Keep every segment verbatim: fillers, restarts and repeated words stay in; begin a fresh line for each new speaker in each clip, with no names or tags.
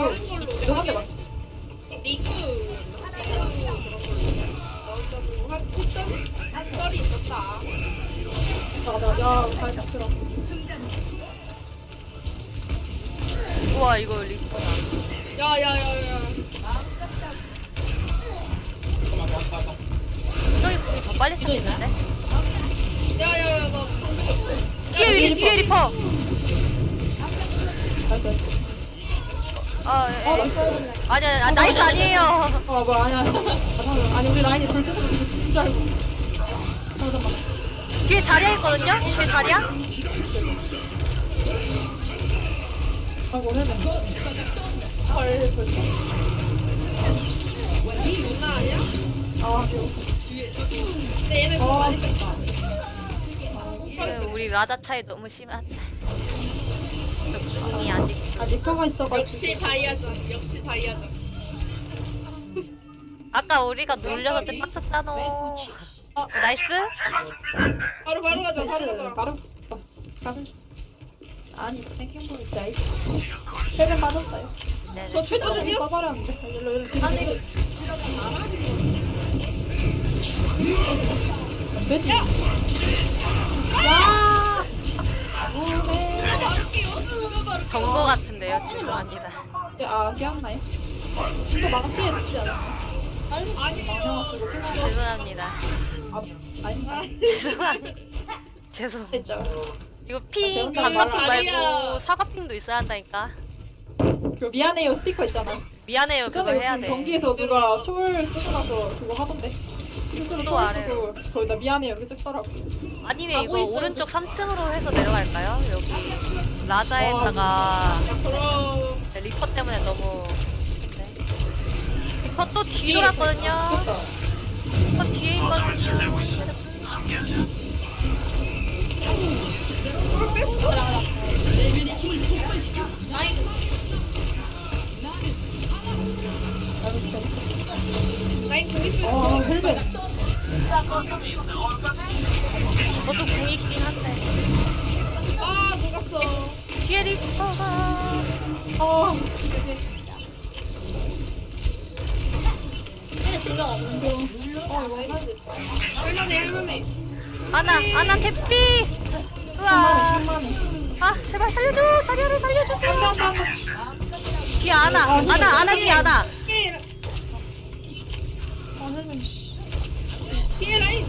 다른 걸로
지금 한대 맞.
리그 리그 그런 걸로 나오자고 한 했던 썰이 있었다.
맞아, 야, 잘 잡히라.
우와 이거 리퍼다.
야야야야.
저희 궁이 더 빨리 쳤는데?
야야야 나 방금 없어.
뒤에 리 뒤에 리퍼.
나이스, 나이스.
아,
어,
예.
나이스.
아니 아니 아, 나이스 아니에요.
어, 뭐야, 아니야. 아, 잠깐만. 아니, 우리 라인이 단체적으로 되게 쉽줄 알고. 잠깐만.
뒤에 자리야 있거든요? 뒤에 자리야?
아이고, 해야 헐, 벌써.
누나 아니야?
아, 귀여워.
근데 얘는 좀
어.
많이 뺐다.
그, 우리 라자 차이 너무 심하다. 저 궁이 아직.
아, 리퍼가 있어가지고.
역시 다이아장. 역시 다이아장.
아까 우리가 놀려서 ጭ빡쳤잖아. 어, 나이스?
바로 바로 가자. 바로 가자.
바로. 바로. 아니, 탱킹볼 진짜 아이스. 헬멧 맞았어요.
네네.
저 최초는요?
써버렸는데. 일로, 일로, 일로.
아니 이거
되지?
야!
야! 오네.
정보 같은데요? 죄송합니다.
아, 기억나요? 진짜 망치에 넣지 않았나?
아니에요.
죄송합니다.
아, 아니,
죄송합니다. 죄송.
됐죠.
이거 핑
아,
감사핑
자리야.
말고 사과핑도 있어야 한다니까.
그 미안해요 스티커 있잖아.
미안해요. 그거
그전에
해야
무슨
돼.
경기에서 누가 초월 쓰고 나서 그거 하던데. 실수로
또
초월
아래로.
쓰고 거기다 미안해요 이렇게 찍더라고.
아니면 이거
하고 있어요.
오른쪽 삼 층으로 해서 내려갈까요? 여기 라자에다가
그럼
네, 리퍼 때문에 너무 네. 리퍼 또 뒤로 갔거든요.
됐다.
리퍼 뒤에 있거든요.
뭘 뺐어? 라인 공 있을
아,
거.
헬멧.
저도 궁 있긴 한데
아 녹았어.
뒤에 리퍼가
아,
할만해 할만해.
아나 아나 대피. 우와.
한만해.
아 제발 살려줘. 자리를 살려주세요. 뒤에 아나
아,
아나 아나 뒤에 아나.
피해
아, 헬멧.
피해 라인.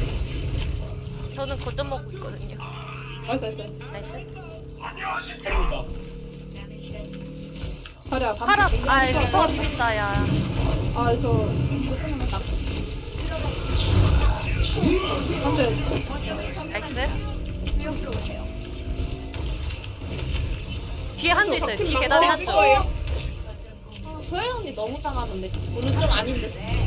저는 거점 먹고 있거든요.
나이스, 나이스, 나이스.
나이스.
자리야,
파라
반대.
아 리퍼가 비빈다 야.
아, 저. 안돼.
나이스. 뒤에 한조 있어요. 뒤에 계단에 한조.
거예요?
소영 언니 너무 당하는데 오늘 좀 아닌데.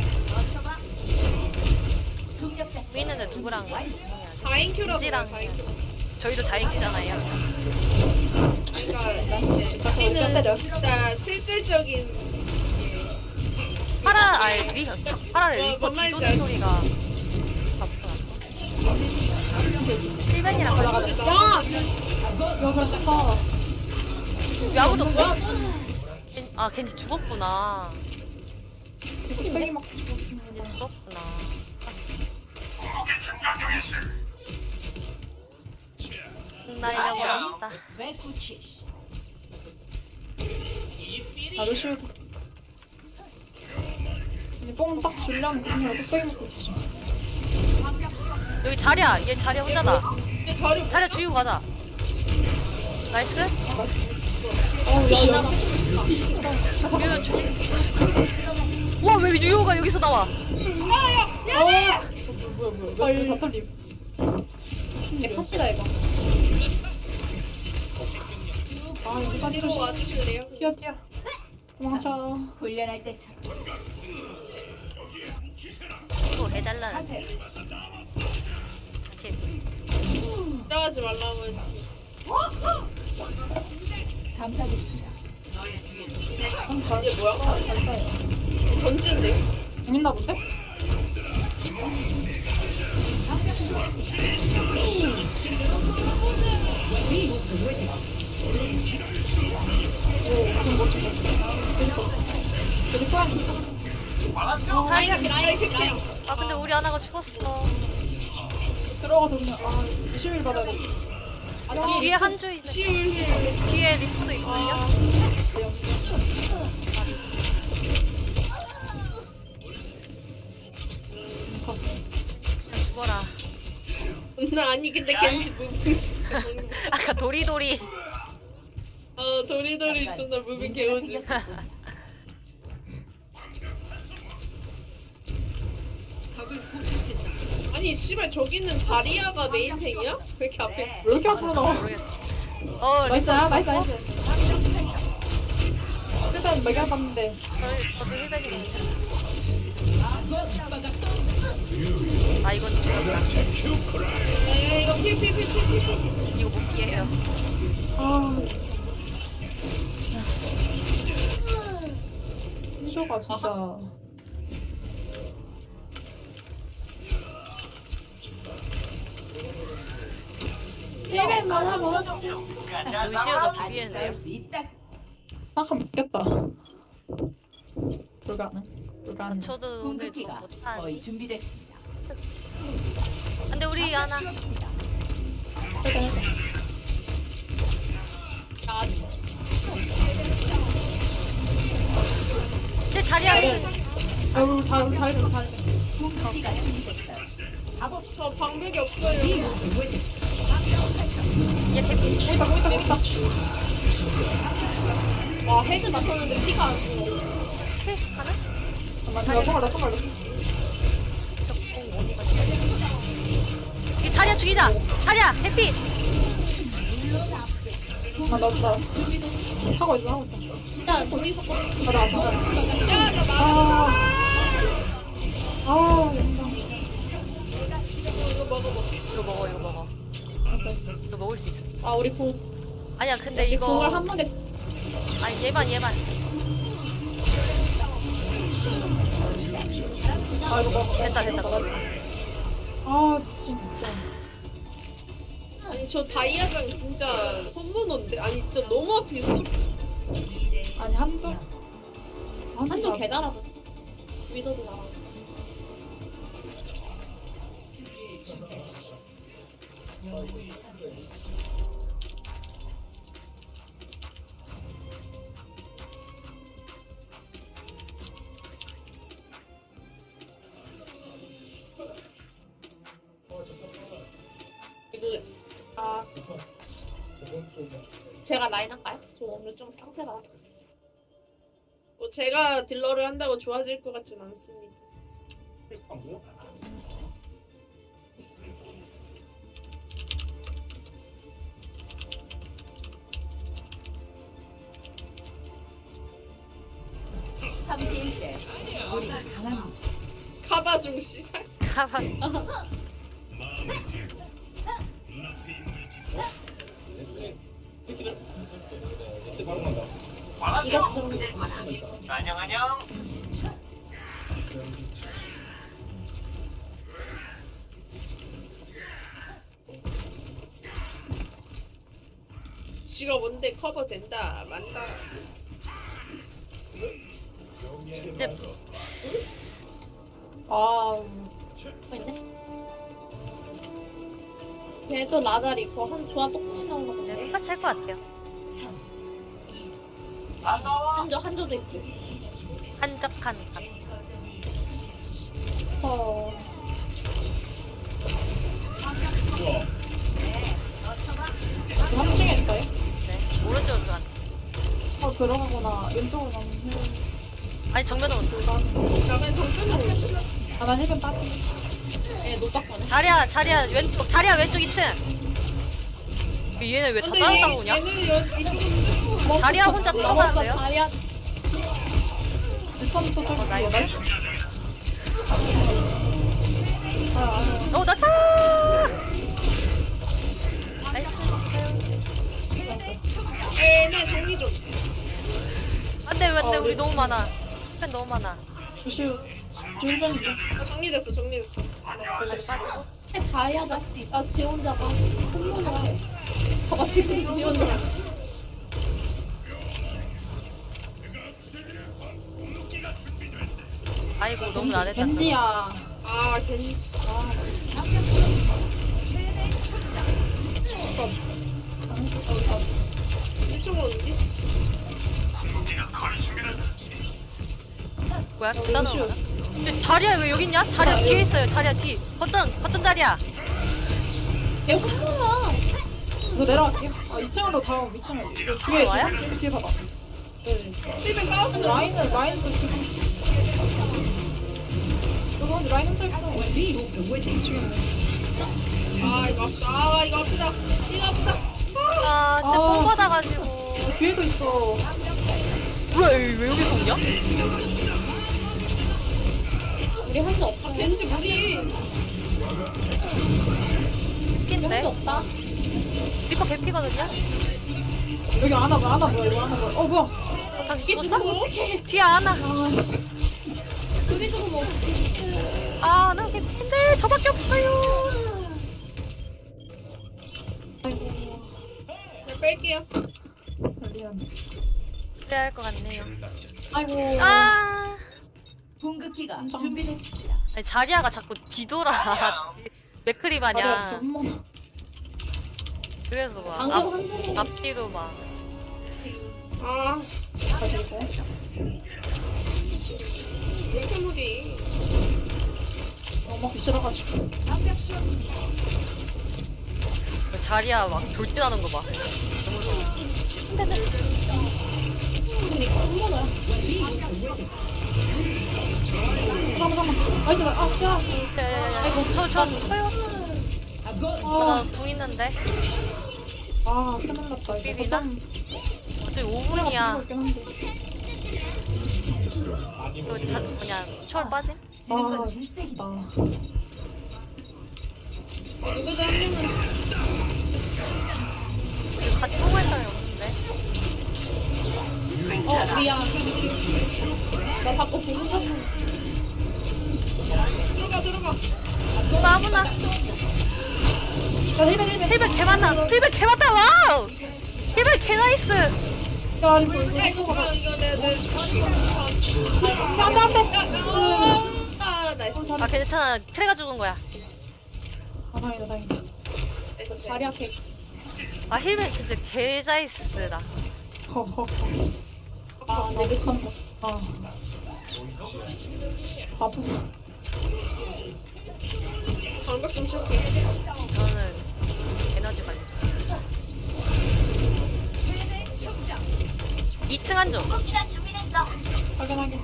위 있는데 누구랑 가?
다인큐라고.
찌랑.
다인큐.
저희도 다행이잖아요.
그러니까 이제 우리는 진짜 실질적인
파라 아니 리 파라를
어,
리퍼
뭔 말인지
뒤도는
알지?
소리가 바쁘다. 필벤이랑
야.
같이
야, 그렇다.
왜 아무도 없어? 겐- 아 겐지 죽었구나.
땡이 막.
겐지 죽었구나. 나 잃어버렸다.
나도 쉬우고. 근데 뽕딱 줄려면 그냥 뚝배기 먹고 있지.
여기 자리야. 얘 자리야 혼자다.
얘 저리
자리야 죽이고 가자. 나이스.
어, 야, 야.
유효 조심. 와 왜 유효가 여기서 나와?
야야 야네.
뭐야, 뭐야. 왜, 다 털림.
얘 파티다 이거.
아, 여기까지
뒤로 와주실래요?
튀어, 튀어. 도망쳐.
훈련할 때처럼
또 해달라는. 같이.
들어가지 말라고 했지.
감사드립니다.
음, 잘,
이게 뭐야?
잘 싸요.
던지는데?
재밌나 본데? 오, 그럼 멋지다.
라인 라인 라인 라인.
아 근데 우리 아나가 죽었어.
들어가서 그냥 아 이십일 받아야 돼.
아, 뒤에 한주 있네.
시울 힐.
뒤에 리프도 있거든요. 그냥 죽어라.
나 아니 근데 겐지 무빙.
아까 도리도리.
어 도리도리 존나 무빙 개워지. 아니 씨발 저기는 자리아가 메인탱이야? 왜 이렇게 앞에 있어?
왜 이렇게 앞으로 나와?
모르겠어. 어 리프
나이스야 나이스 나이스. 일단 매겨 봤는데.
저희 저도 힐백이거든요. 아 이건 죽었다.
에이 이거 피피피피피.
이거 못 피해요.
아. 희조가 진짜. 일벤 많아 먹었어.
루시오가 비비했네요.
잠깐 죽겠다. 불가능. 불가능.
저도 오늘 너무
공격기가
못하니.
거의 준비됐습니다.
근데 우리 아나
일단 일단.
제 자리야.
아 우리 다 우리 다 이래 다 이래.
공격기가 준비됐어요.
저 방벽이 없어요.
얘 대피.
거기다 거기다 거기다.
와 헤드 맞췄는데 피가 안 써.
가나?
잠깐만 내가 손을 나 손을
이 자리야 죽이자. 자리야 대피.
아 나 나. 하고 있어 하고 있어.
일단 거기서
가자 가자. 아. 아 영상.
이거 먹어 먹어.
이거 먹어 이거 먹어. 이거 먹을 수 있어.
아 우리 공
아니야 근데
공을
이거
한 마리
아니 얘만 얘만.
아 이거 먹어.
됐다 됐다 먹었어.
아 진짜.
아니 저 다이아장 진짜 홈모노인데 아니 진짜 너무 앞에 있어.
아니 한조.
한쪽 개잘하고 위도도 나와. 이거 아 제가 라인 할까요? 저 오늘 좀 상태가
뭐 제가 딜러를 한다고 좋아질 것 같진 않습니다.
함께일 때 우리 강합니다.
카바 중씨.
가만.
이것 좀
안녕 안녕.
지가 뭔데 커버 된다 만다.
이제
아.
있네. 걔도 라자리 있고 한 조합 똑같이 나오는 거
그냥
같네.
똑같이 할 것 같아요.
한조 한조도 있고.
한적한 감.
어. 삼 층에 있어요?
네 오른쪽으로 들어간.
어 들어가거나 왼쪽으로 가면 해.
아니 정면으로 온다.
그러면 정편으로 올려.
아나 힐벤 빠져.
예, 노박거네.
자리야 자리야 왼쪽 자리야 왼쪽 이 층. 얘네 왜 다
근데
따로
얘,
따로 오냐?
얘는 여, 이쪽은
자리야 혼자 들어가는데요?
다리야.
일단 또 저기
어, 나이스.
나이스. 아, 아,
어, 나 차! 나이스.
얘네 정리 좀.
안 돼, 안 돼.
어,
우리
네.
너무 많아. 팬 너무 많아.
조슈. 힐벤.
아, 정리됐어 정리됐어.
다시 빠지고.
다이아다. 아, 지 혼자가. 홈모노. 봐봐, 지금 지 혼자.
아이고 너무 나댔다.
겐지야.
아 겐지. 아. 일 층으로 어디?
뭐야? 따라오나? 자리야 왜 여기 있냐? 자리야 뒤에 있어요. 자리야 뒤. 거점 거점 자리야.
얘 혼나. 이거 내려갈게요. 아, 이 층으로 다음 이 층으로. 뒤에
와요?
뒤에, 뒤에 봐봐. 네.
힐벤 까웠어.
라인은 라인도 지금. 이거 근데 라인은 또 있어.
아 이거 아프다. 아 이거 아프다. 이거 아프다.
아 진짜
아.
뽕 받아가지고.
어, 뒤에도 있어.
뭐야 왜, 왜 여기서 오냐?
우리 할 수 없다.
겐지 무리.
핀데?
할수 없다.
리퍼 개피거든요?
여기 안아 봐, 안아 뭐야, 이거 안아 뭐야. 어, 뭐야.
당신 죽었어? 뒤에 안아.
아, 씨.
저기 조금 뭐.
아, 나 개피인데 저밖에 없어요.
아이고.
그냥 뺄게요.
미안.
그래야 할 것 같네요.
아이고.
아,
공급기가
엄청-
준비됐습니다.
아니, 자리아가 자꾸 뒤돌아. 맥크리
맞아,
마냥.
엄마.
그래서 막
방금
앞,
한 소리.
앞뒤로 막.
아
다시 이거.
이렇게 무리.
어, 먹기 싫어가지고.
방벽 씌웠습니다.
자리아 막 돌진하는 거 봐. 너무 무서워.
그니까 한 번에.
잠깐만, 잠깐만. 나이스, 나, 아, 야.
아이고, 저, 저, 저요.
아,
나궁 있는데.
아, 큰일 났다. 이거
비비나?
좀
어차피 오 분이야.
있긴 한데.
이거 자, 뭐냐, 초월 빠짐?
지는
아,
건 질색이다.
누구도 한 명은
이거 같이 뽑을 사람이 없는데.
어 미안. 나 자꾸 보는 거.
들어가 들어가.
너무 아무나.
야, 힐벤, 힐벤.
힐백 개 많다. 힐백 개 많다. 와우. 힐백 개 나이스.
야, 이거, 이거,
야
이거
이거
봐봐.
봐 이거 내내
야, 안 돼, 안 돼.
아 나이스.
아 괜찮아. 트레가 죽은 거야.
아, 다행이다, 다행이다.
다리 앞에.
아 힐백 진짜 개자이스다.
허허.
아 내가 진짜.
아. 바보.
방벽 좀 칠게.
저는 에너지 관리. 이 층 한조.
확인, 확인.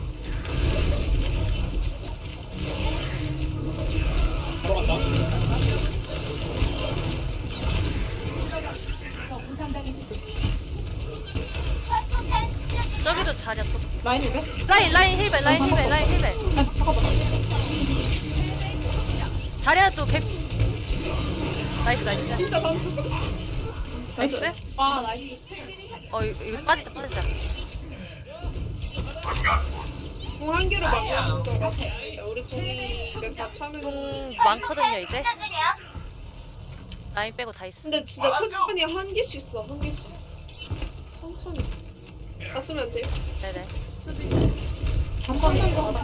저 부상당했습니다.
저기도 자리야 또.
라인 힐벤?
라인 라인 힐백 라인 힐백 라인 힐백.
아, 잠깐만.
자리야 또 개. 나이스 나이스.
진짜 방금.
나이스.
아 나이스.
어 이거, 이거 빠지자 빠지자.
궁한 개로 막는 거 같아. 우리 궁이 지금 다 차는.
공 많거든요 이제. 라인 빼고 다 있어.
근데 진짜 천천히 한 개씩 써, 한 개씩. 천천히. 다 쓰면 안 돼요?
네네.
수비.
잠깐 이거.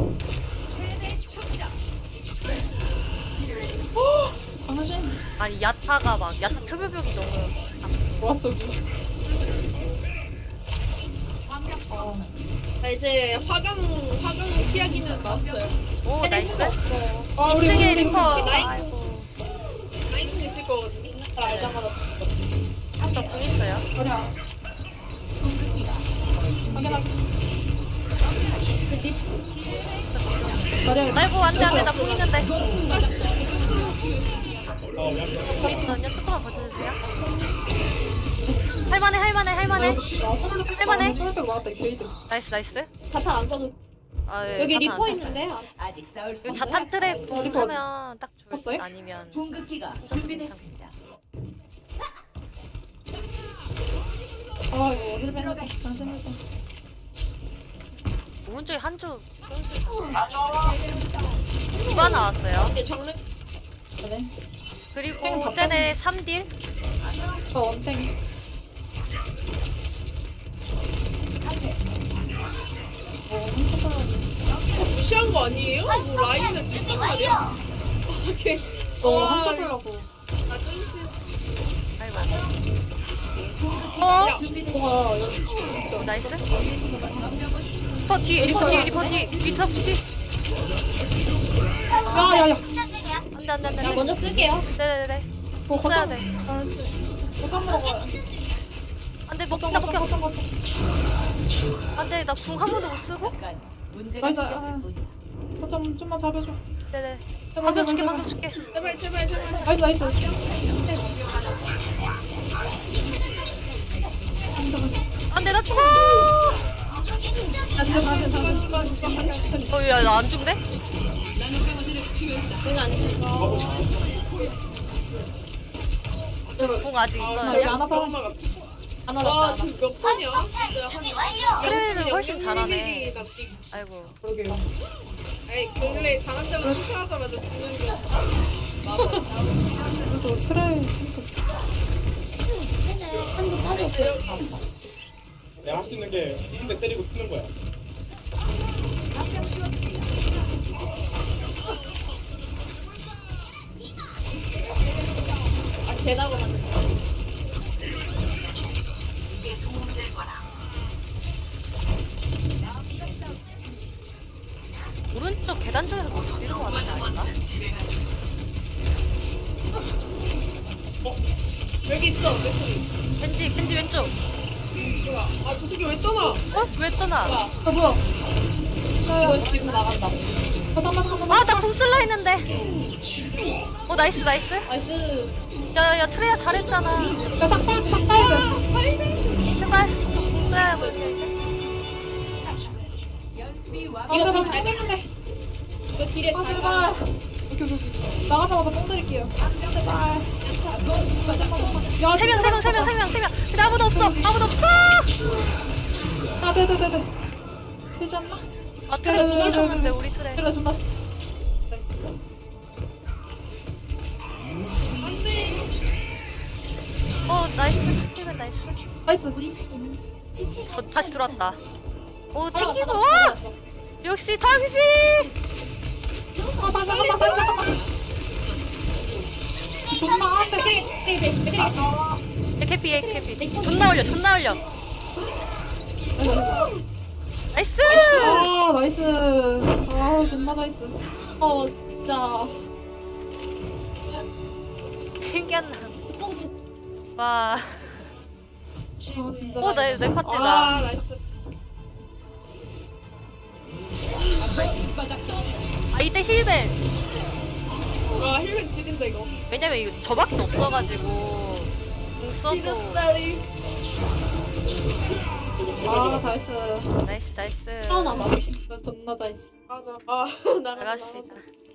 당신
아니 야타가 막 야타 표별벽이 너무.
좋았어, 여기. 어.
아, 이제 화강, 화강 피하기는 마스터요.
오 나이스.
아, 우리,
이 층에
우리,
리퍼.
우리 라인
아이고.
라인쿵 있을 거거든요.
알자마자.
저궁 있어요.
우리야. 확인하겠습니다. 자리야,
아이고 안돼 안돼 나 궁 있는데. 궁 있거든요. 조금만 버텨주세요. 할만해 할만해 할만해. 할만해.
솔백 맞았다, 이 게이드.
나이스 나이스.
자탄 안 써도.
아, 네,
여기
자탄
리퍼
안 썼어요.
있는데.
아직 싸울 수
이거
있는
자탄 트랙
어, 리퍼 어디?
하면 딱 좋을
썼어요?
듯 아니면
공급기가 준비됐습니다.
아, 이거 힐벤 해봐. 당신 힐벤.
오른쪽에 한쪽 누가 나왔어요.
이게 정면
그래.
그리고 쟤네 삼 딜
저 원탱. 어, 훔쳐서.
이거 무시한 너무한 거 아니에요? 뭐 라인을 뺐단 말이야? 오케이.
너
와,
한타 보려고.
나 쫀심.
아이고. 어?
뭐가 여기 진짜.
나이스. 리퍼 뒤, 리퍼 뒤, 리퍼 뒤, 리퍼 뒤.
야야야.
안돼 안돼 안돼.
나 먼저 쓸게요.
네네네.
뭐
써야
거점.
돼.
거점 먹어요.
안돼 먹힌다 먹혀.
거점 거점.
안돼 나 궁 한 번도 못 쓰고.
잠깐 문제가
나이스.
생겼을 뿐이야.
거점 좀만 잡아줘.
네네.
제발,
방금
제발,
줄게
제발.
방금 줄게.
제발 제발 제발.
나이스 나이스.
안돼 나 죽어.
아 진짜 다시 다시.
누가 누가 반칙.
어야 나 안 죽네?
그건 아니고.
궁 아직
아,
있어요.
여기 안 와서.
엄마가.
안
와,
받았다.
저몇 판이야? 진짜 한
트레이를 훨씬
영영
잘하네.
일일이 남기고.
아이고.
그러게요.
아이 원래 잘한다고 칭찬하자마자 죽는 거.
그래도 트레이.
한도 차렸어요.
내가 할 수 있는 게 한 대 때리고 뛰는 거야.
아, 개나고 만든 거.
오른쪽 계단 쪽에서 뭐 돌리는 거 같지 않나?
여기 있어. 맥주리.
겐지 겐지 왼쪽.
뭐야? 아, 저 새끼 왜 떠나?
어? 왜 떠나?
아 뭐야?
이거 지금 나간다.
거점 맞한
아 나 궁 쓸라 했는데. 어 나이스 나이스.
나이스.
야야 트레야 잘했잖아.
야 삭발 삭발.
제발 궁 써야 뭐 이제.
연습이 와.
이거 더 잘 됐는데.
이거 딜에
아
잘
제발.
가.
오케이 오케이 오케이. 나가자마자 뽕 드릴게요. 제발. 야
세 명 세 명 세 명 세 명 세 명. 근데 아무도 없어 아무도 없어.
아 네네네네. 되지 않나?
아 트레 두개 쳤는데 우리 트레.
그래 존나.
어 나이스. 힐벤 나이스.
나이스.
어 다시 들어왔다. 오
하나가
땡기고.
다
와!
잡았어.
역시 당신.
아 다시 잠깐만 다시 잠깐만. 존나 안돼.
백그리, 백그리, 백그리.
야, 캐피 얘 캐피. 존나 올려 존나 올려. 나이스.
아 나이스. 아 존나 나이스.
어, 진짜.
신기한 남.
스폰치.
와.
아 진짜.
오내내
아,
파트다.
나이스.
아 이때 힐벤.
와, 힐맨 지린다 이거.
왜냐면 이거 저밖에 없어가지고 공 써도
지렸다리.
아 나이스.
나이스 나이스.
하나 나.
나 존나 나이스.
맞아. 아, 나랑
나갑시다.